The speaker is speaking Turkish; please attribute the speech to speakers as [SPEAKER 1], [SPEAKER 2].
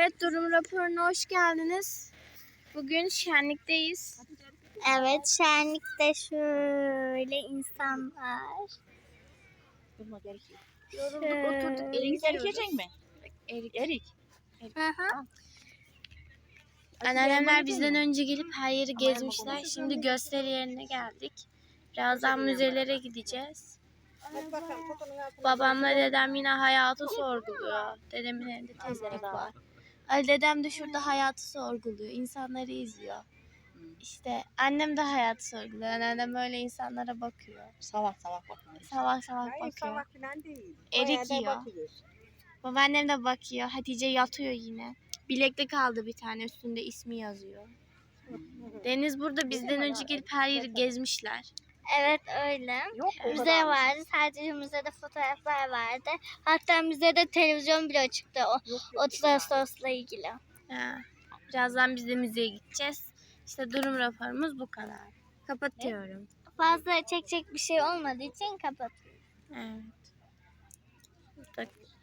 [SPEAKER 1] Evet, durum raporuna hoş geldiniz. Bugün şenlikteyiz.
[SPEAKER 2] Evet, şenlikte şöyle insanlar.
[SPEAKER 1] Yorulduk, oturduk.
[SPEAKER 3] Erik yiyecek mi? Erik.
[SPEAKER 2] Hı hı.
[SPEAKER 1] Anneannemler bizden önce gelip her yeri gezmişler. Şimdi gösteri yerine geldik. Birazdan müzelere gideceğiz. Babamla dedem yine hayatı sorguluyor. Dedemin elinde tezek var. Ali dedem de şurada hayatı sorguluyor. İnsanları izliyor. İşte annem de hayatı sorguluyor. Annem böyle insanlara bakıyor.
[SPEAKER 3] Salak bakıyor.
[SPEAKER 1] Salak bakıyor. Erik yiyor. Babaannem de bakıyor. Hatice yatıyor yine. Bileklik aldı bir tane, üstünde ismi yazıyor. Deniz burada bizden önce gelip her yeri gezmişler.
[SPEAKER 2] Evet öyle.
[SPEAKER 3] Yok, o
[SPEAKER 2] Müze
[SPEAKER 3] kadar.
[SPEAKER 2] vardı. Sadece müzede fotoğraflar vardı. Hatta müzede televizyon bile çıktı o 30 Ağustos'la ilgili.
[SPEAKER 1] Ha. Birazdan biz de müzeye gideceğiz. İşte durum raporumuz bu kadar. Kapatıyorum.
[SPEAKER 2] Fazla çekecek bir şey olmadığı için kapatıyorum.
[SPEAKER 1] Evet.